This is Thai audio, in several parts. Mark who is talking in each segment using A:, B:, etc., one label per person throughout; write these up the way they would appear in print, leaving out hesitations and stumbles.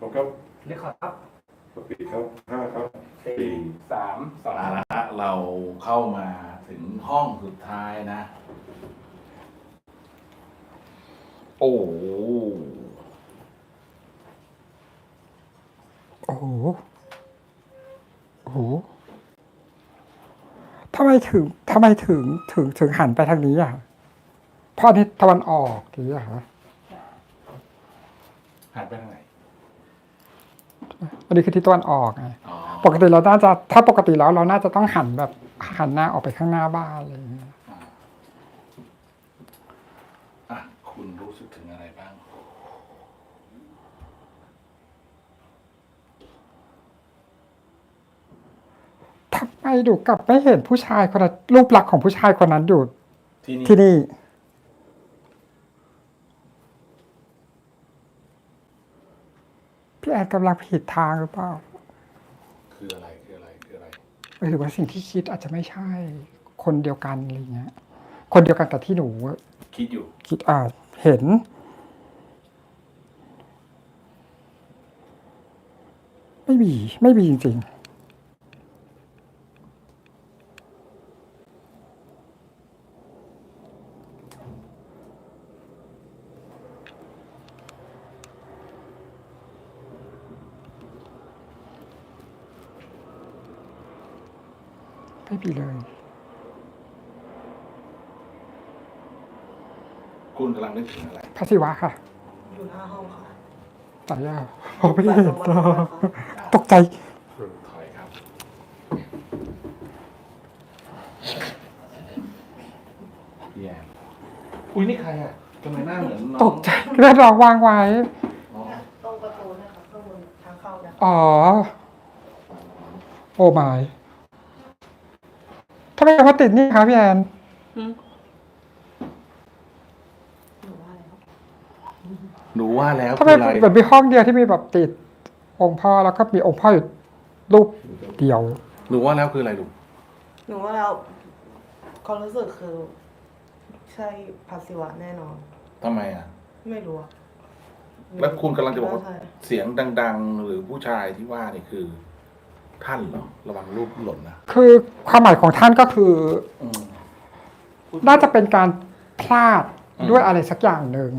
A: ครับ
B: เรียกครับ
A: ปีครับ5ครับ
B: 4 3 2
C: เอาละฮะเราเข้ามาถึงห้องสุดท้ายนะ โอ้โห
D: โอ้โหโอ้โหทำไมถึงหันไปทางนี้อ่ะเพราะนี่ตะวันออกหรืออะฮะ
C: หันไปทางไหน
D: อันนี้คือทิศตะวันออกไง
C: อ๋อ
D: ปกติเราน่าจะถ้าปกติแล้วเราน่าจะต้องหันแบบหันหน้าออกไปข้างหน้าบ้านอะไรอย่างเงี้ย
C: อ่ะคุณรู้สึกถึงอะไรบ้าง
D: ทำไมดูกลับไม่เห็นผู้ชายคนนั้นรูปลักษณ์ของผู้ชายคนนั้นอยู่
C: ที่นี่
D: ที่นี่พี่แอนกำลังผิดทางหรือเปล่า
C: คืออะไรคืออะไรคืออะไร
D: หรือว่าสิ่งที่คิดอาจจะไม่ใช่ คนเดียวกันอะไรเงี้ย คนเดียวกันกับที่หนู
C: คิดอยู่
D: คิดเห็น ไม่มีจริงๆไม่มีเลย
C: คุณกำลังนึกถึงอะไร
D: พระศิวะค่ะ
E: อยู่หน้าห้องค่ะ
D: ตายแล้วไม่ได้เห็นตกใจ
C: ถอยครับ พี่แอนอุ้ยนี่ใครอ่ะทำไมหน้าเหมือนน้อง
D: ตกใจเลือดรองวางไว้
C: อ๋อ
E: ตรงประตูนะคะข้างบนทางเข้าเนี่ย
D: อ๋อ โอ้ไม่ทำไมมาติดนี่คะพี่แอน
E: หนูว่าอะไรครับ
C: หนูว่าแล้ว
D: ทำไม
C: คืออะไร
D: เหมือนมีห้องเดียวที่มีแบบติด องค์พ่อแล้วก็มีองค์พ่ออยู่รูปเดียว
C: หนูว่าแล้วคืออะไรลูก
E: หนูว่าแล้วความรู้สึกคือ ใช่พัสิวะแน่นอน
C: ทำไมอ่ะ
E: ไม่รู้อะ
C: แล้วคุณกำลังจะบอกว่า
E: ใช่
C: เสียงดัง ๆ หรือผู้ชายที่ว่านี่คือ ท่านเหรอ ระวังรูปหล่นนะ
D: คือความหมายของท่านก็คือ
C: อืม
D: น่าจะเป็นการพลาดด้วยอะไรสักอย่างหนึ่ง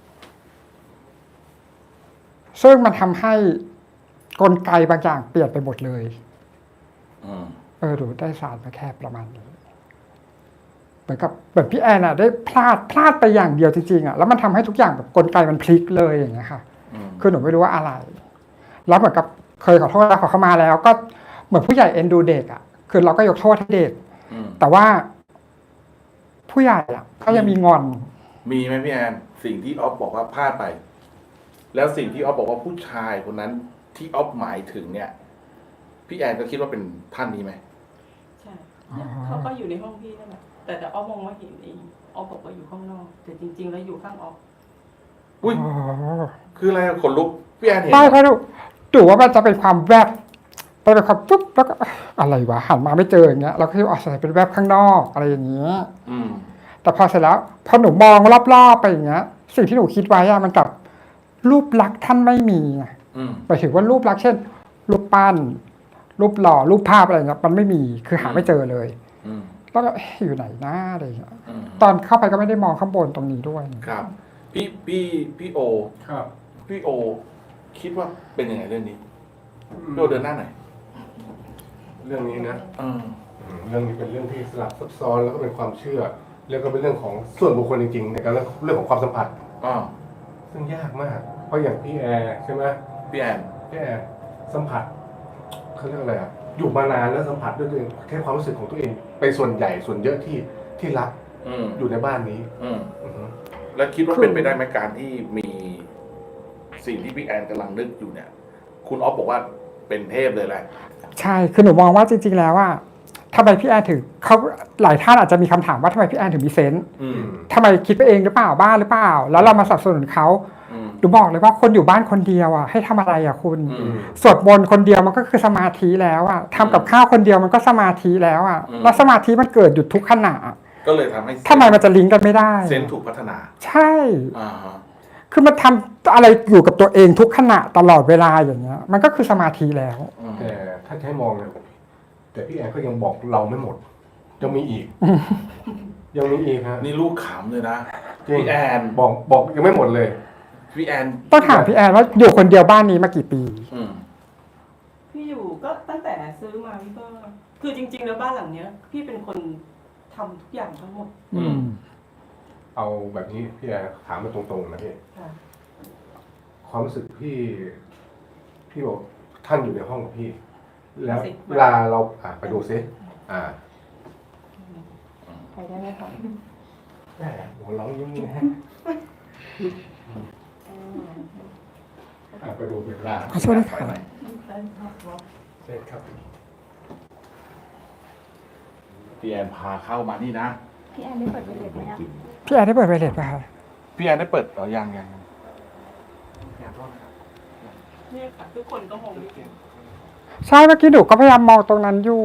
D: ซึ่งมันทำให้กลไกบางอย่างเปลี่ยนไปหมดเลย
C: อืม
D: ดูได้สารมาแค่ประมาณนี้ เหมือนพี่แอนได้พลาดไปอย่างเดียวจริงๆแล้วมันทำให้ทุกอย่างแบบกลไกมันพลิกเลยอย่างเงี้ยค่ะ
C: อืม
D: คือหนูไม่รู้ว่าอะไร แล้วเหมือนกับเคยขอโทษแล้วขอเข้ามาแล้ว ก็เหมือนผู้ใหญ่เอ็นดูเด็กคือเราก็ยกโทษให้เด็ก
C: อืม
D: แต่ว่า ผู้ใหญ่ก็ยังมีงอน
C: มีไหมพี่แอนสิ่งที่ออฟบอกว่าพลาดไป แล้วสิ่งที่ออฟบอกว่าผู้ชายคนนั้น ที่ออฟหมายถึงเนี่ย พี่แอนก็คิดว่าเป็นท่านนี้ไหม
F: ใช่เนี่ยเขาก็อยู่ในห้องพี่นั่นแหละแต่อ้อมองว่าเห็นเองอ้อบอกว่าอยู่ข้างนอก แต่จริง ๆ แล้วอยู่ข้างออก
C: อุ้ย
D: อ๋อ
C: คืออะไรขนลุกพี่แอนเห็น
D: ไม่
C: เหรอ
D: เพราะดูว่ามันจะเป็นความแวบเป็นความปุ๊บแล้วก็อะไรวะหันมาไม่เจออย่างเงี้ยเราก็คิดว่าอาจจะเป็นแวบข้างนอกอะไรอย่างเงี้ย
C: อืม
D: แต่พอเสร็จแล้วพอหนูมองรอบๆไปอย่างเงี้ย สิ่งที่หนูคิดไว้มันกับรูปลักษณ์ท่านไม่มีไง
C: อืม
D: หมายถึงว่ารูปลักษณ์เช่น รูปปั้น รูปหล่อรูปภาพอะไรเงี้ยมันไม่มีคือหาไม่เจอเลย
C: อืม
D: แล้วก็อยู่ไหนหน้าอะไรเงี้ย
C: อืม
D: ตอนเข้าไปก็ไม่ได้มองข้างบนตรงนี้ด้วย
C: ครับ พี่โอ
B: ครับ
C: พี่โอ คิดว่าเป็นยังไงเรื่องนี้พี่โอเดินหน้าหน่อย
A: เรื่องนี้นะ
C: อืม
A: เรื่องนี้เป็นเรื่องที่สลับซับซ้อนแล้วก็เป็นความเชื่อ แล้วก็เป็นเรื่องของส่วนบุคคลจริงๆในการเรื่องของความสัมผัส
C: อ๋อ
A: ซึ่งยากมาก เพราะอย่างพี่แอร์ใช่ไหม
C: พี่แอน
A: พี่แอร์สัมผัสเขาเรียกอะไรอยู่มานานแล้วสัมผัสด้วยตัวเองแค่ความรู้สึกของตัวเองเป็นส่วนใหญ่ส่วนเยอะที่รัก
C: อืม
A: อยู่ในบ้านนี้
C: อืม
A: อือฮึ
C: แล้วคิดว่าเป็นไปได้ไหมการที่มีสิ่งที่พี่แอนกำลังนึกอยู่เนี่ย คุณออฟบอกว่าเป็นเทพเลยแหละ
D: ใช่คือหนูมองว่าจริงๆแล้วทำไมพี่แอนถึงเขาหลายท่านอาจจะมีคำถามว่าทำไมพี่แอนถึงมีเซนส์
C: อืม
D: ทำไมคิดไปเองหรือเปล่าบ้าหรือเปล่า แล้วเรามาสนับสนุนเขา
C: อืม
D: หนูบอกเลยว่าคนอยู่บ้านคนเดียวให้ทำอะไรคุณ
C: อืม
D: สวดมนต์คนเดียวมันก็คือสมาธิแล้วทำกับข้าวคนเดียวมันก็สมาธิแล้วแล้วสมาธิมันเกิดอยู่ทุกขณะ
C: ก็เลยทำให้
D: ทำไมมันจะลิงก์กันไม่ได้
C: เซนส์ถูกพัฒนา
D: ใช่
C: อ่าฮะ
D: คือมันทำอะไรอยู่กับตัวเองทุกขณะตลอดเวลาอย่างเงี้ย มันก็คือสมาธิแล้ว
A: แต่ถ้าจะให้มองเนี่ยแต่พี่แอนก็ยังบอกเราไม่หมดยังมีอีก ยังมีอีกฮะ
C: นี่ลูกขำเลยนะ
A: จริง
C: พี่แอน
A: บอกยังไม่หมดเลย
C: พี่แอน
D: ต้องถามพี่แอนว่าอยู่คนเดียวบ้านนี้มากี่ปี
C: อืม
F: พี่อยู่ก็ตั้งแต่ซื้อมาพี่ก็คือจริง ๆ แล้วบ้านหลังเนี้ย พี่เป็นคนทำทุกอย่างทั้งหมด
C: อืม
A: เอาแบบนี้พี่แอนถามมาตรงๆนะพี่
F: ค่ะ
A: ความรู้สึกพี่บอกท่านอยู่ในห้องกับพี่ แล้วเวลาเราไปดูซิ
F: ไปได้ไหมคะ
A: แหมหัวเราะยิ้มๆฮะไปดูเวลา
D: ขอโทษด้วยค่ะ
A: เสร็จครับ
C: พี่แอนพาเข้ามานี่นะ
G: พี่แอนได้เปิดไวเลสไหมอะ
D: พี่แอนได้เปิดไวเลสป่ะคะ
C: พี่แอนได้เปิดยัง
F: นี่ค่ะทุกคนก็มองไม่เห็น
D: ใช่เมื่อกี้หนูก็พยายามมองตรงนั้นอยู่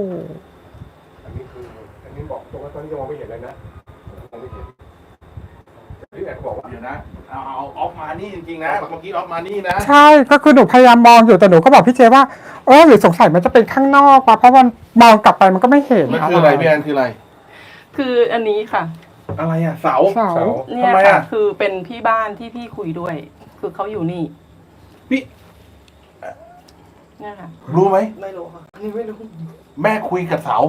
A: อันนี้บอกตรงว่าตอนนี้ยังมองไม่เห็นเลยนะมองไม่เห็นแต่พี่แอนบอกว่า
C: เดี๋ยวนะเอาออฟมานี่จริงๆนะเมื่อกี้ออฟมานี่นะ
D: ใช่ก็คือหนูพยายามมองอยู่แต่หนูก็บอกพี่เจว่าหรือสงสัยมันจะเป็นข้างนอกป่ะเพราะมันมองกลับไปมันก็ไม่เห็น
C: มันคืออะไรพี่แอนคืออะไร
F: คืออันนี้ค่ะ
C: อะไรอ่ะเสา
D: เสา
F: เนี่ย
C: ทำไม
F: ค่ะ
C: อะ
F: คือเป็นพี่บ้านที่พี่คุยด้วย คือเขาอยู่นี่
C: พี่
F: เนี่ยค่ะ
C: รู้ไหม
E: ไม่รู้ค่ะอันนี้ไม่รู้
C: แม่คุยกับเสา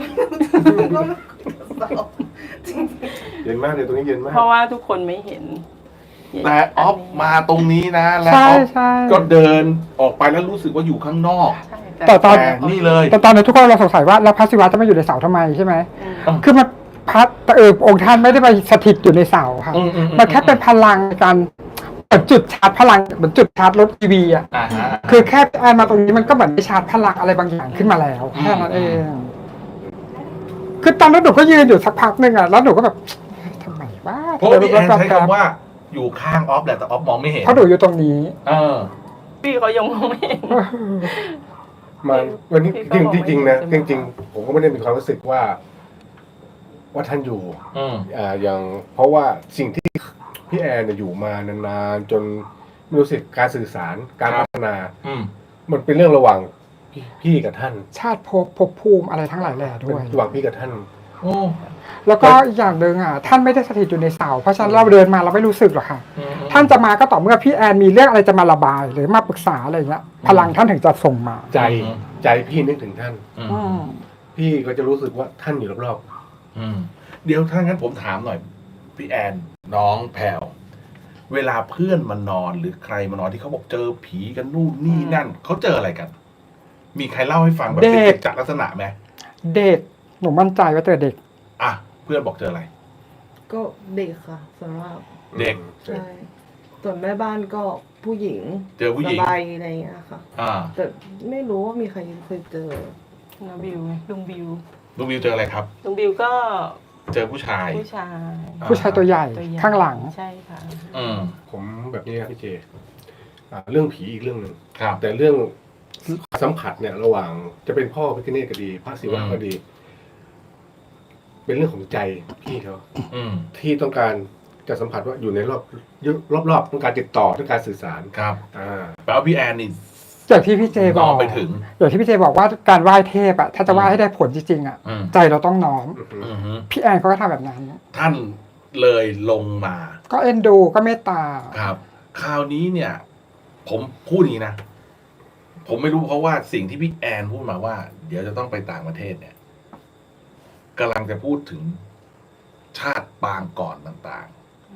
A: เย็นมากเลยตรงนี้เย็นมาก
F: เพราะว่าทุกคนไม่เห็น
C: แต่ออฟมาตรงนี้นะแล้ว
D: ใช่
C: ออฟ
D: ใช่
C: ก็เดินออกไปแล้วรู้สึกว่าอยู่ข้างนอก
F: ใช่
D: แต่ตอน
C: แต่นี่เลย
D: แต่ตอนนี้ทุกคนเราสงสัยว่าแล้วพระศิวะจะมาอยู่ในเสาทำไมใช่ไหม
F: อืม
D: คือมันพระองค์ท่านไม่ได้ไปสถิตอยู่ในเสาค่ะ มันแค่เป็นพลังในการเหมือนจุดชาร์จพลังเหมือนจุดชาร์จรถทีวีอ่ะ
C: อ่าฮะ
D: คือแค่แอนมาตรงนี้มันก็เหมือนได้ชาร์จพลังอะไรบางอย่างขึ้นมาแล้วแค่นั้นเอง คือตอนนั้นหนูก็ยืนอยู่สักพักหนึ่งอ่ะแล้วหนูก็แบบทำไมวะ
C: เพราะว่าพี่แอนใช้คำว่าอยู่ข้างออฟแหละแต่ออฟมองไม่เห็น
D: เพราะหนูอยู่ตรงนี้
C: เออ
F: พี่เขายังมองไม่เห็น
A: มันวันนี้
F: พี่ก็
A: จริงๆนะ
F: มอง
A: จ
F: ไม่เห็น
A: ริงๆผมก็ไม่ได้มีความรู้สึกว่าท่านอยู่
C: อืม
A: อย่างเพราะว่าสิ่งที่พี่แอนเนี่ยอยู่มานานๆจนไม่รู้สึกการสื่อสารการพัฒนา
C: อืม
A: มันเป็นเรื่องระหว่างพี่กับท่าน
D: ชาติภพภูมิอะไรทั้งหลายแหล่ด้
A: เป็น
D: วย
A: ระหว่างพี่กับท่าน
C: โอ้
D: แล้วก็อีกอย่างหนึ่งอ่ะท่านไม่ได้สถิตอยู่ในเสาเพราะฉะนั้นเราเดินมาเราไม่รู้สึกหรอกค่ะ ท่านจะมาก็ต่อเมื่อพี่แอนมีเรื่องอะไรจะมาระบาย หรือมาปรึกษาอะไรเงี้ยพลังท่านถึงจะส่งมา
A: ใจพี่นึกถึงท่าน
D: อืม
A: พี่ก็จะรู้สึกว่าท่านอยู่รอบ
C: อืมเดี๋ยวถ้างั้นผมถามหน่อย พี่แอนน้องแพรวเวลาเพื่อนมานอนหรือใครมานอนที่เขาบอกเจอผีกันนู่นนี่นั่นเขาเจออะไรกัน มีใครเล่าให้ฟังแบบเป็นกิจจลักษณะไหม
D: เด็กหนูมั่นใจว่าเจอเด็ก
C: อ่ะเพื่อนบอกเจออะไร
E: ก็เด็กค่ะสำหรับ
A: ๆ
C: เด็ก
E: ใช่ส่วนแม่บ้านก็ผู้หญิง
C: เจอผู้หญิง
E: สบายอะไรอย่างเงี้ยค่ะ
C: อ่า
E: แต่ไม่รู้ว่ามีใครเคยเจอ
F: น้าบิวไงลุงบิว
C: ลุงวิวเจออะไรครับ
F: ลุงบิวก็
C: เจอผู้ชาย
F: ผู้ชาย
D: ผู้ชายตัวใหญ่
F: ตัวใหญ่
D: ข้างหลัง
F: ใช่ค่ะ
C: อืม
A: ผมแบบนี้ครับพี่เจเรื่องผีอีกเรื่องหนึ่ง
C: ครับ
A: แต่เรื่องสัมผัสเนี่ย ระหว่างจะเป็นพ่อพิฆเนศก็ดี พระศิวะก็ดี เป็นเรื่องของใจพี่เขา
C: อืม
A: ที่ต้องการจะสัมผัสว่าอยู่ในรอบต้องการติดต่อต้องการสื่อสาร
C: ครับ
A: อ่า
C: แปลว่าพี่แอนนี่
D: อย่างที่พี่เจบ
C: ม
D: อ
C: อง
D: ก
C: ไปถึง
D: อย่างที่พี่เจบอกว่าการไหว้เทพอะถ้าจะไหว้ให้ได้ผลจริงๆอะ
C: อืม
D: ใจเราต้องน้อม
C: อือฮึ
D: พี่แอนเขาก็ทำแบบนั้น
C: ท่านเลยลงมา
D: ก็เอ็นดูก็เมตตา
C: ครับ คราวนี้เนี่ย ผมพูดอย่างนี้นะ ผมไม่รู้เพราะว่าสิ่งที่พี่แอนพูดมาว่า เดี๋ยวจะต้องไปต่างประเทศเนี่ยกำลังจะพูดถึงชาติปางก่อนต่าง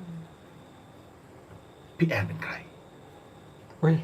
C: ๆ พี่แอนเป็นใคร
D: อุ้ย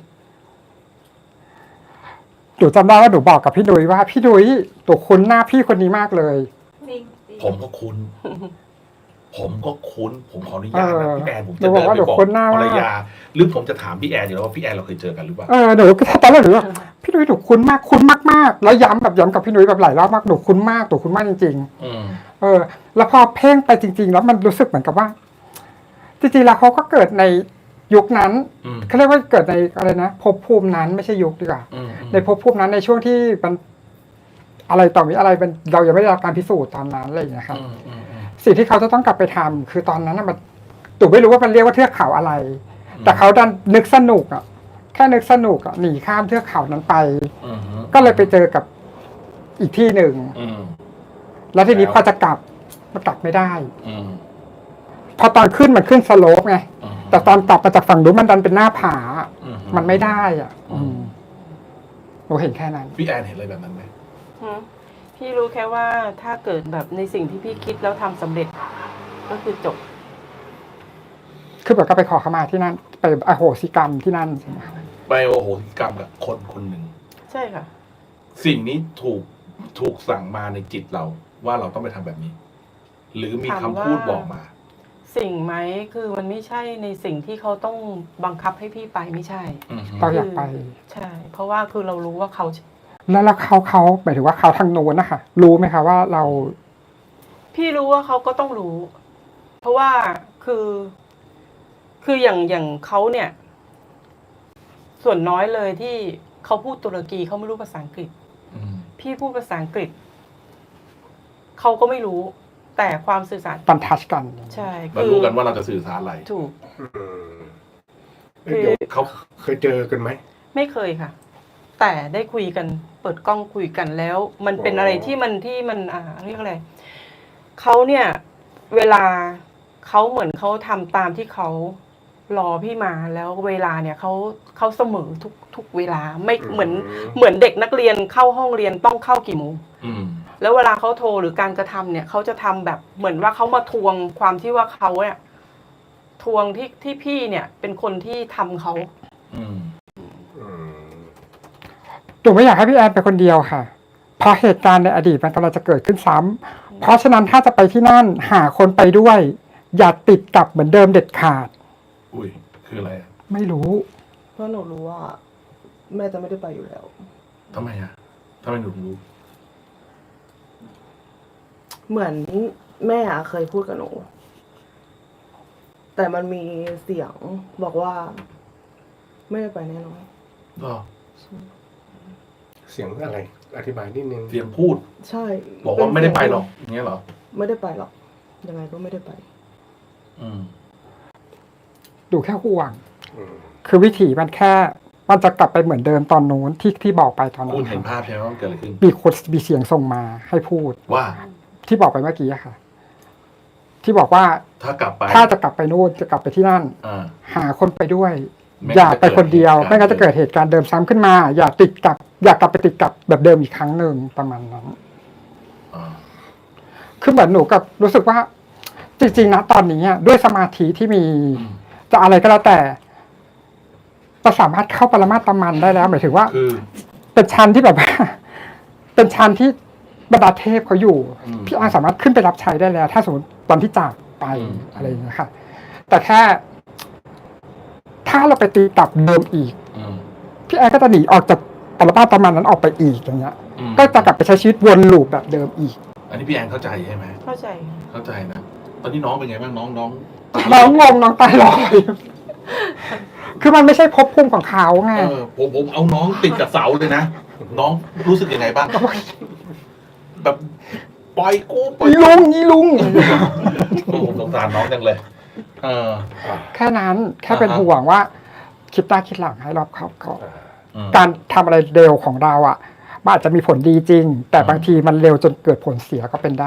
D: หนูจำได้ว่าหนูบอกกับพี่ดุยว่าพี่ดุยตัวคุ้นหน้าพี่คนนี้มากเลย
C: ผมก็คุ้น ผมก็คุ้น ผมขออนุญาตนะพี่แอนผมจะ
D: หนูบ
C: เดิ
D: อก
C: น
D: ว่า
C: ไป
D: หนู
C: บอก
D: คุ้นหน้า
C: ภร
D: มาร ก
C: ยา หรือผมจะถามพี่แอนอยู่แล้วว่าพี่แอนเราเคยเจอกันหรือเปล่า
D: หนูตอนแรกหนูว่าพี่ดุยหนูคุ้นมากๆแล้วย้ำกับพี่ดุยแบบหลายรอบมากหนูคุ้นมากจริง
C: อืม
D: ๆแล้วพอเพ่งไปจริง ๆ แล้วมันรู้สึกเหมือนกับว่าจริงๆแล้วเขาก็เกิดในยุคนั้น
C: อืม
D: เขาเรียกว่าเกิดในอะไรนะภพภูมินั้นไม่ใช่ยุคดีกว่า
C: อืม
D: ในภพภูมินั้นในช่วงที่มันอะไรต่อมีอะไรเป็นเรายังไม่ได้รับการพิสูจน์ตอนนั้นอะไรอย่างเงี้ยครับ
C: อืมอืมอืม
D: สิ่งที่เขาจะต้องกลับไปทำคือตอนนั้นน่ะมันตู่ไม่รู้ว่ามันเรียกว่าเทือกเขาอะไรแต่เขาดันนึกสนุกอ่ะแค่นึกสนุกอ่ะหนีข้ามเทือกเขานั้นไป
C: อืม
D: ก็เลยไปเจอกับอีกที่หนึ่ง
C: อืม
D: แล้วทีนี้พอจะกลับมันกลับไม่ได้
C: อืม
D: พอตอนขึ้นมันขึ้นสโลปไง
C: อืม
D: แต่ตอนกลับมาจากฝั่งนู้นมันดันเป็นหน้าผา
C: อืม
D: มันไม่ได้อ่ะหนูเห็นแค่นั้น
C: พี่แอนเห็นอะไรแบบนั้นไหม
F: หือพี่รู้แค่ว่าถ้าเกิดแบบในสิ่งที่พี่คิดแล้วทำสำเร็จ ก็คือจบ
D: คือแบบก็ไปขอขมาที่นั่น ไปอโหสิกรรมที่นั่นใช่ไหมคะ
C: ไปโอโหสิกรรมกับคนคนหนึ่ง
F: ใช่ค่ะ
C: สิ่งนี้ถูกสั่งมาในจิตเราว่าเราต้องไปทำแบบนี้ หรือมีคำพูดบอกมา
F: สิ่งไหมคือมันไม่ใช่ในสิ่งที่เขาต้องบังคับให้พี่ไปไม่ใช่
C: อืม
D: เราอยากไป
F: ใช่ เพราะว่าคือเรารู้ว่าเขา
D: แล้วเขาหมายถึงว่าเขาทางโน้นนะคะรู้ไหมคะว่าเรา
F: พี่รู้ว่าเขาก็ต้องรู้ เพราะว่าคืออย่างเขาเนี่ย ส่วนน้อยเลยที่เขาพูดตุรกีเขาไม่รู้ภาษาอังกฤษ
C: อืม
F: พี่พูดภาษาอังกฤษเขาก็ไม่รู้ แต่ความสื่อสาร
D: ตันทัชกัน
F: ใช่
C: มารู้กันว่าเราจะสื่อสารอะไร
F: ถูก
A: เดี๋ยวเขาเคยเจอกันไหม
F: ไม่เคยค่ะ แต่ได้คุยกัน เปิดกล้องคุยกันแล้ว มันเป็นอะไรที่มันเรียกอะไรเขาเนี่ย เวลาเขาเหมือนเขาทำตามที่เขารอพี่มาแล้วเวลาเนี่ยเขาเสมอทุกเวลาไม่เหมือนเด็กนักเรียนเข้าห้องเรียนต้องเข้ากี่โมง
C: อืม
F: แล้วเวลาเขาโทรหรือการกระทำเนี่ยเขาจะทำแบบเหมือนว่าเขามาทวงความที่ว่าเขาเนี่ยทวงที่พี่เนี่ย เป็นคนที่ทำเขา
C: อืม
D: หนูไม่อยากให้พี่แอนไปคนเดียวค่ะ เพราะเหตุการณ์ในอดีตมันกำลังจะเกิดขึ้นซ้ำเพราะฉะนั้นถ้าจะไปที่นั่นหาคนไปด้วย อย่าติดกับเหมือนเดิมเด็ดขาด
C: อุ้ยคืออะไรอะ
D: ไม่รู้
E: เพราะหนูรู้ว่า แม่จะไม่ได้ไปอยู่แล้ว
C: ทำไมอะทำไมหนูถึงรู้
E: เหมือนแม่เคยพูดกับหนู แต่มันมีเสียงบอกว่า ไม่ได้ไปแน่นอน
C: ก็
A: เสียงอะไร อธิบายนิดนึง
C: เสียงพูด
E: ใช่
C: บอกว่าไม่ได้ไปหรอกอย่างเงี้ยเหรอ
E: ไม่ได้ไปหรอกยังไงก็ไม่ได้ไป
C: อืม
D: ดูแค่ห่วง
A: อืม
D: คือวิถีมันแค่ มันจะกลับไปเหมือนเดิมตอนนู้นที่บอกไปตอนนั้
C: คุณ
D: น
C: เห็นภาพใช่ไหมว่ามันเกิดอะไรขึ้น
D: มีคนมีเสียงส่งมาให้พูด
C: ว่า
D: ที่บอกไปเมื่อกี้อะค่ะ ที่บอกว่า
C: ถ้ากลับไป
D: ถ้าจะกลับไปนู่นจะกลับไปที่นั่น
C: อ่า
D: หาคนไปด้วย
C: ไม่งั้น
D: อย่าไปคนเดียว
C: จะเกิด
D: ไม่งั้นจะเกิดเหตุการณ์เดิมซ้ำขึ้นมา อย่ากลับไปติดกับแบบเดิมอีกครั้งหนึ่งประมาณนั้น
C: อ่า
D: คือเหมือนหนูกับรู้สึกว่า จริงๆนะตอนนี้อะด้วยสมาธิที่มี
C: อืม
D: จะอะไรก็แล้วแต่เราสามารถเข้าปรมาตมันได้แล้วหมายถึงว่า
C: คือ
D: เป็นชั้นที่แบบว่า เป็นชั้นที่บรรดาเทพเขาอยู่
C: อืม
D: พี่อาร์สามารถขึ้นไปรับใช้ได้แล้ว ถ้าสมมติตอนที่จากไป
C: อืม
D: อะไรอย่างเงี้ยค่ะ แต่แค่ ถ้าเราไปตีกลับเดิมอีก
C: อืม
D: พี่แอร์ก็จะหนีออกจากปรมาตมันนั้นออกไปอีกอย่างเงี้ย
C: อืม
D: ก็จะกลับไปใช้ชีวิตวนลูปแบบเดิมอีก
C: อันนี้พี่แอนเข้าใจใช่ไหม
F: เข้าใจ
C: เข้าใจนะ ตอนนี้น้องเป็นไงบ้างน้อง
D: น้องงงน้องตายลอย คือมันไม่ใช่ภพภูมิของเขาไง
C: ผมเอาน้องติดกับเสาเลยนะ น้องรู้สึกยังไงบ้าง แบบปล่อยกูปล่อย
D: อีลุง
C: ผมสงสารน้องจังเลย เออ
D: แค่นั้น แค่เป็น
C: อ่าฮะ
D: ห่วงว่า คิดหน้าคิดหลังให้รอบคอบก่อน
C: อืม
D: การทำอะไรเร็วของเราอ่ะมันอาจจะมีผลดีจริง แต่บางทีมันเร็วจนเกิดผลเสียก็เป็นได้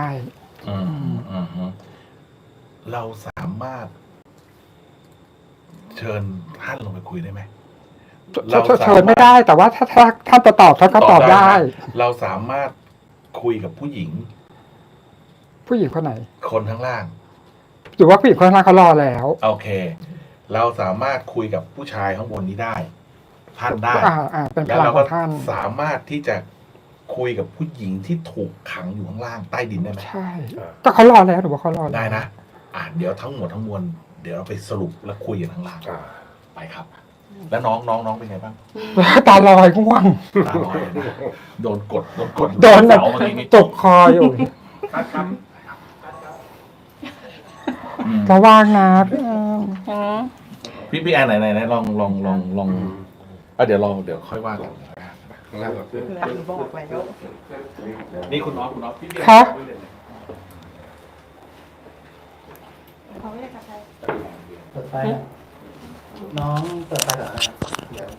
C: เราสามารถ เชิญท่านลงไปคุยได้ไหม
D: เชิญไม่ได้ แต่ว่าถ้าท่านจะตอบท่านก็ตอบได้
C: นะเราสามารถคุยกับผู้หญิง
D: ผู้หญิงคนไหน
C: คนข้างล่าง
D: หรือว่าผู้หญิงคนนั้นเขารอแล้ว
C: โอเค เราสามารถคุยกับผู้ชายข้างบนนี้ได้ ท่านได้
D: เป็นพ
C: แล้ว
D: ลัง
C: เรา
D: ข
C: ก็
D: องท่าน
C: สามารถที่จะคุยกับผู้หญิงที่ถูกขังอยู่ข้างล่างใต้ดินได้ไหม
D: ใช่ก็เขารอแล้วหรือว่าเขารอแล้ว
C: ได้นะเดี๋ยวทั้งหมดทั้งมวลเดี๋ยวเราไปสรุปแล้วคุยกันข้างล่าง
A: อ่า
C: ไปครับ แล้วน้องเป็นไงบ้าง
D: ตาลอยง่วง
C: ตาลอยเลยนะโดนกด
D: โดนแบบ
C: เสาเมื่อกี้นี้
D: จกคออยู่
B: ครับ
C: อืม
D: ระวังนะพี่แอน
C: พี่แอนไหนลองเดี๋ยวค่อยว่ากัน
A: ข้างล่างก่อน
F: หนูบอกแล้ว
C: นี่คุณน้องพี่แอน
D: คะ
G: เขาไม่ได้กระท
B: น้องเปิดไฟก่อนนะครับเดี๋ยว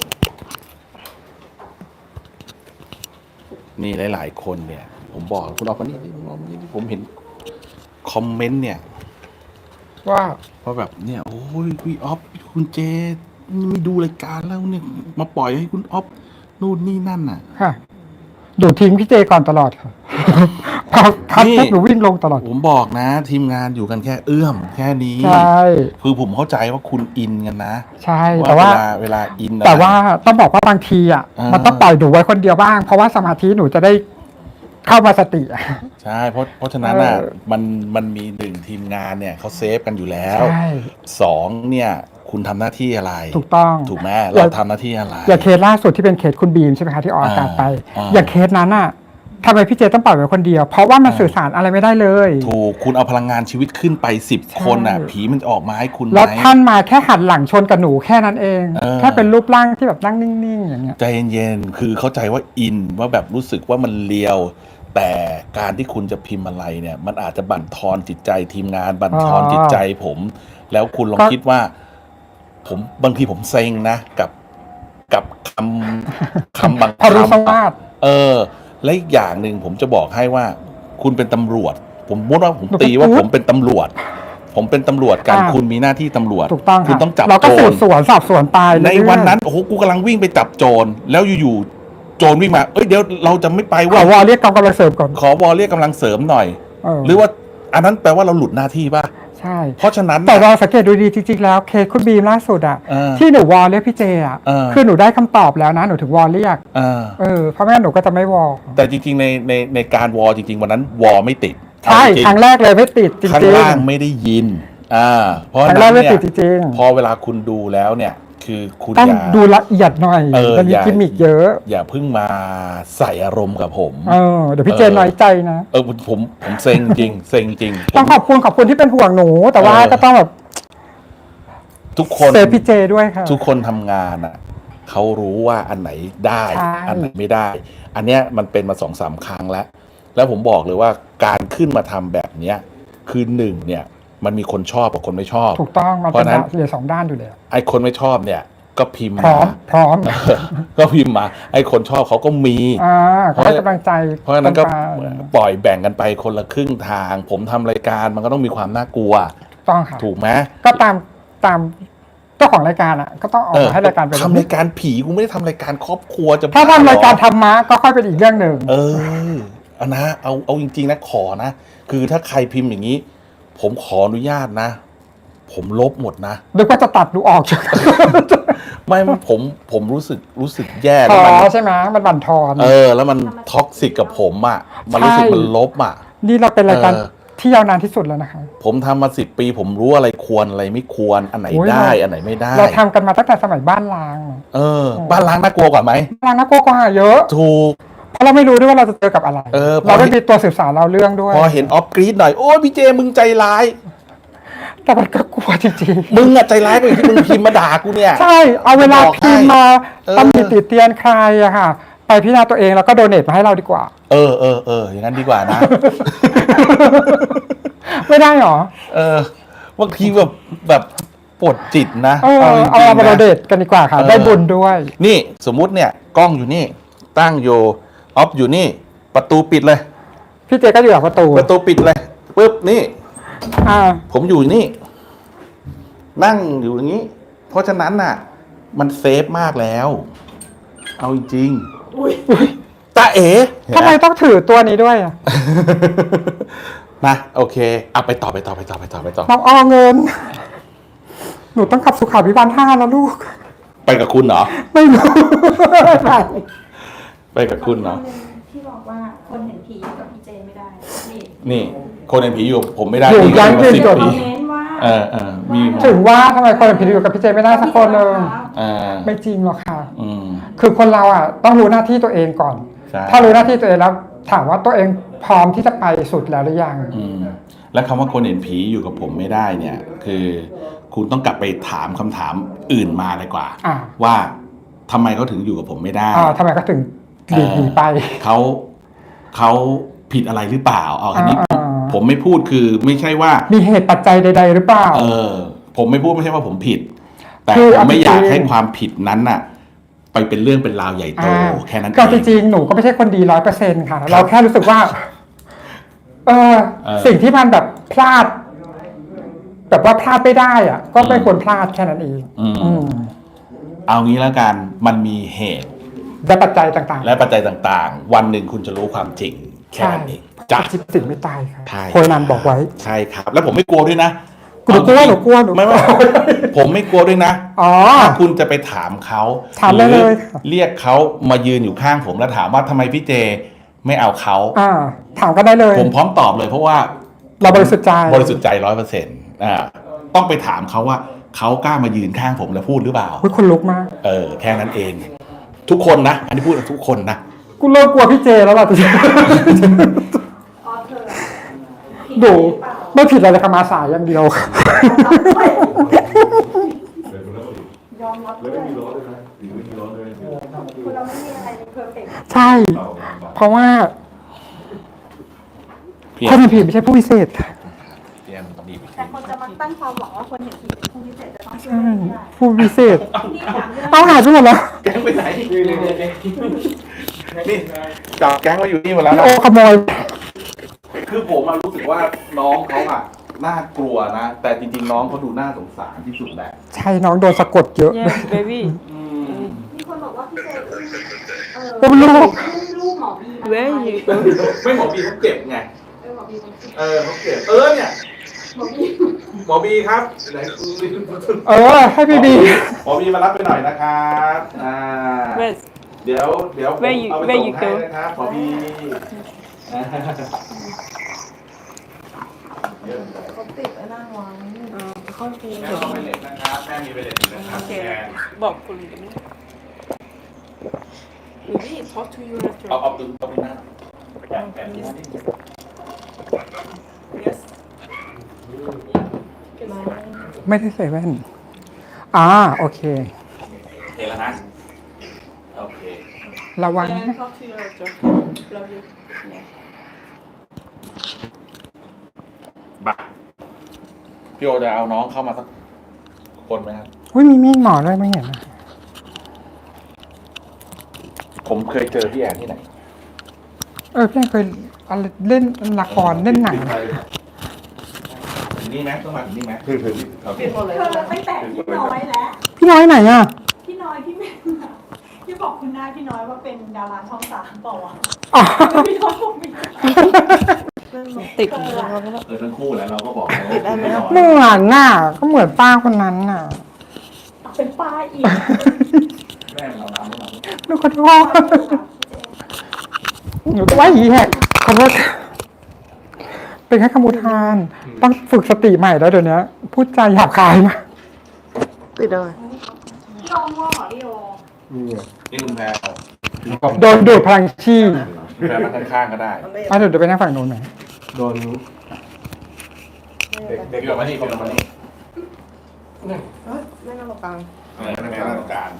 C: นี่หลายๆคนเนี่ย ผมบอกคุณออกมานี่ผมเห็นคอมเมนต์เนี่ย
D: ว่า
C: ว่าแบบเนี่ยโอ้ยพี่ออฟคุณเจไม่ดูรายการแล้วเนี่ยมาปล่อยให้คุณออฟนู่นนี่นั่นน่ะ
D: ค่ะดูทิ้งพี่เจก่อนตลอดค่ะ พอคัด
C: นี่
D: ปุ๊บหนูวิ่งลงตลอด
C: ผมบอกนะ ทีมงานอยู่กันแค่เอื้อมแค่นี้
D: ใช่
C: คือผมเข้าใจว่าคุณอินกันนะ
D: ใช่แต่ว่า
C: เวลาอินอะไร
D: แต่ว่าต้องบอกว่าบางทีอ่ะ
C: อ่ามั
D: มันต้องปล่อยหนูไว้คนเดียวบ้าง เพราะว่าสมาธิหนูจะได้เข้ามาสติอ่ะ
C: ใช่เพราะฉะนั้นอ่ะ
D: เออ
C: มันมีหนึ่งทีมงานเนี่ยเขาเซฟกันอยู่แล้ว
D: ใช่
C: สองเนี่ยคุณทำหน้าที่อะไร
D: ถูกต้อง
C: ถูกไหมเราทำหน้าที่อะไร
D: อย่างเคสล่าสุดที่เป็นเคสคุณบีมใช่ไหมคะที่ออกอากาศไป
C: อ่า
D: อย่างเคสนั้นอ่ะทำไมพี่เจต้องปล่อยไว้คนเดียว เพราะว่ามันสื่อสารอะไรไม่ได้เลย
C: ถูกคุณเอาพลังงานชีวิตขึ้นไป10 คนอ่ะ
D: ใช่
C: ผีมันจะออกมาให้คุณไหม
D: แล้วท่านมาแค่หันหลังชนกับหนูแค่นั้นเอง
C: เออ
D: แค่เป็นรูปร่างที่แบบนั่งนิ่งๆอย่างเงี้ย
C: ใจเย็นๆ คือเข้าใจว่าอินว่าแบบรู้สึกว่ามันเลียว แต่การที่คุณจะพิมพ์อะไรเนี่ย มันอาจจะบั่นทอนจิตใจทีมงานบั่นทอนจิตใจผม แล้วคุณลองคิดว่า ผมบางทีผมเซ็งนะกับคำบาง
D: พอรู้ส
C: คำ
D: วาส
C: และอีกอย่างหนึ่งผมจะบอกให้ว่า คุณเป็นตำรวจ ผมพูดว่าผม
D: หนูเป็น
C: ตีว่า
D: อุ๊ด
C: ผมเป็นตำรวจ ผมเป็นตำรวจกัน
D: อ่า
C: คุณมีหน้าที่ตำรวจ
D: ถูกต้อง
C: คุณ
D: ค่ะ
C: ต้องจับ
D: เราก็
C: โจ
D: สื
C: ร
D: บสวนสอบสวนไป
C: ใน
D: เรื่อยๆ
C: วันนั้นโอ้โหกูกำลังวิ่งไปจับโจรแล้วอยู่ๆโจรวิ่งมาเอ้ยเดี๋ยวเราจะไม่ไป
D: ขอ
C: เว่าว
D: อเรียกกองกำลังเสริมก่อน
C: ขอวอเรียกกำลังเสริมหน่อย
D: เห
C: รือว่าอันนั้นแปลว่าเราหลุดหน้าที่ป่ะ
D: ใช่
C: เพราะฉะนั้น
D: แต่
C: น่ะ
D: เราสังเกตดูดีจริงๆแล้วเคสคุณบีมล่าสุดอ่ะ
C: เออ
D: ที่หนูวอเรียกพี่เจอ่ะ
C: เออ
D: คือหนูได้คำตอบแล้วนะหนูถึงวอเรียก
C: อ่า
D: เพราะไม่งั้นหนูก็จะไม่วอ
C: แต่จริงๆในการวอจริงๆวันนั้นวอไม่ติด
D: ใช่
C: เอาจริง
D: ครั้งแรกเลยไม่ติดจริง
C: ข้าง
D: ๆ
C: ล่างไม่ได้ยิน เพราะ
D: ครั้งแร
C: นั้
D: ก
C: น
D: ไม่
C: เนี่
D: ติด
C: ย
D: จริง
C: พอเวลาคุณดูแล้วเนี่ย คือคุณ
D: ต้อง
C: อย่า
D: ดูละเอียดหน่อย มันมี
C: อย่า
D: กิมมิกเยอะ
C: อย่าเพิ่งมาใส่อารมณ์กับผม
D: เดี๋ยวพี่เจน้อยใจนะ
C: ผมเซ็งจริงเซ็งจริง
D: ต้องขอบคุณที่เป็นห่วงหนู แต่ว่าก็ต้องแบบ
C: ทุกคน
D: เซฟพี่เจด้วยค่ะ
C: ทุกคนทำงานอ่ะเขารู้ว่าอันไหนได้
D: ใช่
C: อันไหนไม่ได้ อันเนี้ยมันเป็นมา2-3 ครั้งแล้ว แล้วผมบอกเลยว่าการขึ้นมาทำแบบเนี้ยคือหนึ่งเนี่ย มันมีคนชอบกับคนไม่ชอบ
D: ถูกต้องมัน
C: เพ
D: เป็น
C: ราะฉะนั้น
D: เหรียญสองด้านอยู่แล้ว
C: ไอ้คนไม่ชอบเนี่ย ก็พิมพ์
D: พร้อ
C: มาม
D: พร้อม
C: ก็พิมพ์มา ไอ้คนชอบเขาก็มี
D: ก็ให้กำลังใจ
C: เพราะฉะนั้นก็
D: ไป
C: ปล่อยแบ่งกันไปคนละครึ่งทาง ผมทำรายการมันก็ต้องมีความน่ากลัว
D: ต้องค่ะ
C: ถูกไหม
D: ก็ตามเจ้าของรายการอ่ะ ก็ต้องออกมาให้รายการเป็น
C: ทำรายการผีกูไม่ได้ทำรายการครอบครัวจะ
D: ถ้า
C: บ้
D: ทำรายการ
C: เหอ
D: ธรรมะก็ค่อยเป็นอีกเรื่องหนึ่ง
C: เอานะเอาจริงๆนะขอนะ คือถ้าใครพิมพ์อย่างนี้ ผมขออนุญาตนะ ผมลบหมดนะ
D: นึกว่าจะตัดหนูออกจาก
C: ไม่ผมรู้สึกแย่
D: พ
C: แล้ว
D: อ
C: มัน
D: ใช่ไหมมันบั่นทอน
C: แล้วมันท็อกซิกกับผมอ่ะมันรู้สึก
D: ใช่
C: มันลบอ่ะ
D: นี่เราเป็นรายการ
C: เออ
D: ที่ยาวนานที่สุดแล้วนะคะ
C: ผมทำมา10 ปี ผมรู้อะไรควรอะไรไม่ควรอันไหน
D: โอ้ย
C: ได้อันไหนไม่ได้
D: เราทำกันมาตั้งแต่สมัยบ้านล้าง
C: บ้านล้างน่ากลัวกว่าไหม
D: ล้างน่ากลัวกว่าเยอะ
C: ถูก
D: เพราะเราไม่รู้ด้วยว่าเราจะเจอกับอะไร เราไม่มีตัวสื่อสารเราเรื่องด้วย
C: พอเห็นออฟกรีดหน่อยโอ้ยพี่เจมึงใจร้าย
D: แต่มันก็กลัวจริง
C: มึงอะใจร้ายกว่าที่มึงพิมพ์มาด่ากูเนี่ย
D: ๆ ใช่เอาเวลา
C: บอกให้
D: พิมพ์มา
C: เออ
D: ตำหนิติเตียนใครอะค่ะ ไปพิจารณาตัวเองแล้วก็โดเนทมาให้เราดีกว่า
C: อย่างนั้นดีกว่านะ
D: ไม่ได้หรอ
C: บางทีแบบปวดจิตนะ
D: เอา
C: จริงๆ
D: เอามาโด
C: นะ
D: เนทกันดีกว่าค่ะ ได้บุญด้วย
C: นี่สมมุติเนี่ยกล้องอยู่นี่ ตั้งอยู่ออฟอยู่นี่ ประตูปิดเลย
D: พี่เจก็อยู่หลังประตู
C: ประตูปิดเลยปึ๊บนี่
D: อ่า
C: ผมอยู่นี่ นั่งอยู่อย่างนี้ เพราะฉะนั้นน่ะ มันเซฟมากแล้ว เอาจริงๆตาเอ๋
D: ทำไมต้องถือตัวนี้ด้วยอะ
C: นะโอเคเอาไปต่อ
D: น้องออเงิน หนูต้องขับสุขาภิบาล5แล้วลูก
C: ไปกับคุณเหรอ
D: ไม่รู้
C: ไปกับคุณเหรอ
G: ที่บอกว่าคนเห็นผีอยู่กับพี่เจไม่ได้ นี่
C: นี่ คนเห็นผีอยู่กับผมไม่ได้
D: อยู่
C: นี่
D: ยัน
C: มา
D: ยืน
C: 10
D: จด
G: คอ
C: ปี
G: มเมนต์ว่า
C: มี
D: ถึงว่าทำไมคนเป็นผีอยู่กับพี่เจไม่ได้สักคนเลย
C: อ่า
D: ไม่จริงหรอกค่ะ
C: อืม
D: คือคนเราอ่ะต้องรู้หน้าที่ตัวเองก่อน
C: ใช่
D: ถ้ารู้หน้าที่ตัวเองแล้วถามว่าตัวเองพร้อมที่จะไปสุดแล้วหรือยัง
C: อืมและคำว่าคนเห็นผีอยู่กับผมไม่ได้เนี่ย คือคุณต้องกลับไปถามคำถามอื่นมาเลยกว่า
D: อ่า
C: ว่าทำไมเขาถึงอยู่กับผมไม่ได้
D: ทำไมก็ถึงหนีไป
C: เขาผิดอะไรหรือเปล่าเอาอันนี้
D: อ่า
C: ผมไม่พูดคือไม่ใช่ว่า
D: มีเหตุปัจจัยใด ๆ หรือเปล่า
C: ผมไม่พูดไม่ใช่ว่าผมผิดแต่
D: คือ
C: ผ
D: เอา
C: มไม่อยาก
D: จริงๆ
C: ให้ความผิดนั้นน่ะ ไปเป็นเรื่องเป็นราวใหญ่โตแค่นั้น
D: ก็
C: เอ
D: จ
C: ง
D: ริงๆหนูก็ไม่ใช่คนดี100%ค่ะ เราแค่รู้สึกว่า เออ สิ่งที่มันแบบพลาด แบบว่าพลาดไม่ได้อ่ะ ก็ไม่ควรพลาดแค่นั้นเอง อืม
C: เอางี้แล้วกันมันมีเหตุ
D: และปัจจัยต่างๆ
C: และปัจจัยต่างๆ วันหนึ่งคุณจะรู้ความจริงแค่นั้นเองจ้ะ
D: จิตสิ่งไม่ตายค่ะ
C: ใช่
D: โคนันบอกไว้
C: ใช่ครับ แล้วผมไม่กลัวด้วยนะ
D: หนูกลัวหนูกลัวหนู
C: ไม่ผมไม่กลัวด้วยนะ
D: อ๋อ
C: ถ้าคุณจะไปถามเขา
D: ถามได้เลย
C: หรือเรียกเขามายืนอยู่ข้างผมแล้วถามว่าทำไมพี่เจไม่เอาเขา
D: ถามก็ได้เลย
C: ผมพร้อมตอบเลยเพราะว่า
D: เราบริสุทธิ์ใจ
C: บริสุทธิ์ใจ100%ต้องไปถามเขาว่าเขากล้ามายืนข้างผมแล้วพูดหรือเปล่า
D: อุ๊ยคนลุกมาก
C: แค่นั้นเอง ทุกคนนะ อันนี้พูดกับทุกคนนะ
D: กูเลิกกลัวพี่เจแล้วล่ะตอนนี้
G: ออเธอ
D: ดูไม่ผิดอะไรเลยค่ะมาสายอย่างเดียวค่ะ
G: ยอมรับด้วยคุณเราไม่มีอะไรในเพอร์เฟกต์
D: ใช่ เพราะว่า
C: เพีย
D: คน
C: ง
D: เห็นผีไม่ใช่ผู้พิเศษค่ะ
C: เพียงดีไป
G: แต่คนจะมาตั้งความหวังว่าคนเห็นผีเป็นผู้พิเศษจะต้องช่วย
D: ใช่
G: ไม่ได้
D: ผู้พิเศษ
G: ที่ถามเรื่อง
D: เอาหายไปหมดแล้ว
C: แก๊งไปไหนนี่จับแก๊งมาอยู่นี่หมดแล้ว
D: พี่
C: นะ
D: โอขโมย
C: คือผมรู้สึกว่าน้องเขาน่ากลัวนะ แต่จริงๆน้องเขาดูน่าสงสารที่สุดแหละ
D: ใช่น้องโดนสะกดเยอะ
F: yes baby
G: มีคนบอกว่าพี่เจ
D: อุ้มลูก
G: ลูกหมอบีมา
F: where you
C: ไม่หมอบีเขาเจ็บไง
G: หมอบีมันคิด
C: เขาเจ็บเนี่ย
G: หมอบี
C: หมอบีครับไหน
D: ให้พี่บี
C: หมอบีมารับไปหน่อยนะครับ
F: where
C: เดี๋ยวผม
F: Where you-
C: เอาไป
F: where
C: ส่ง
F: you
C: ให้
F: go?
C: นะครับหมอบีเยอะเลย
E: เขาติดไอ้นั่นไว้
F: เข้าใจ
C: แม่ต้องไปเล็ตนะครับแม่มีไปเล็ตอยู่นะครับ
F: โอเค
C: แก
F: บอกคุณเดี๋ยวไม่ maybe talk to you later
C: เอาดูหน้าแปะที่นี่
F: yes
D: ไม่ได้ใส่แว่นโอเค
C: เห็นแล้วนะโอเค
D: ระวัง
F: and
D: นะ
F: talk to you later love you yeah
C: บักพี่โอจะเอาน้องเข้ามาสักคนไหมครับ
D: อุ้ยมีมีดหมอด้วยไม่เห็นนะ
C: ผมเคยเจอพี่แอนที่ไหน
D: พี่เคยอะไรเล่นละครเล่นหนัง
C: ถึงนี่ไหมต้องมาถึงนี่ไหมถึงโอเค
E: หมดเลย
G: เธอตั้งแต่พี่น้อยแล้ว
D: พี่น้อยไหนอ่ะ
G: พี่น้อยพี่เมนที่บอกคุณนายพี่น้อยว่าเป็นดาราช่อง3เปล่าวะ
D: อ๋อ
G: พี่น้อยบอกมี
F: ติด
C: ทั้งคู่แหล้วเราก็บอก
F: ติดได้ไหมครับ
D: เหมือนน่ะ ก็เหมือนป้าคนนั้นน่ะ
G: เป็นป้าอีก
C: แม่เราทำให้เรา
D: หนูขอโทษหนูก็ว่าหีแหกขอโทษเป็นแค่คำอุทาน ต้องฝึกสติใหม่แล้วเดี๋ยวนี้พูดจาหยาบคายมาก
F: ติดเลย
G: พี่โอม่วงเหรอพี่โอ
A: นี่ไง
C: นี่คุณแพร
D: โดนดูดพลังชีพ
C: คุณแพรนั่งข้างๆก็ได้
D: เดี๋ยวไปนั่งฝั่งนู้นไหม
A: โดนเด็ก
C: พี่บอกมานี่พี่บอกมานี่
F: ไม่น่าตรงกลาง
C: แม่นั่งตรงกลาง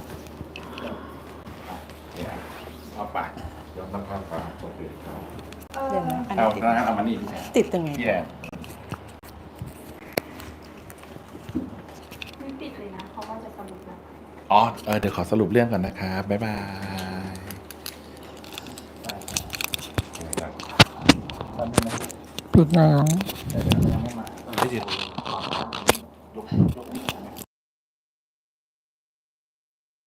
C: เอาไป
A: เดี๋ยวตั้งข้างฟ้าโอเคครับ
F: เดี๋ยวนะอัน
C: เอา
F: นี้
C: เอามานี่พี่แพร
F: ติดยังไง
C: พี่แอน
G: ไม่ปิดเลยนะเพราะว่าจะสรุปแล้ว
C: เดี๋ยวขอสรุปเรื่องก่อนนะครับบ๊ายบาย
D: ปิดแล้ว
C: ไม่ติด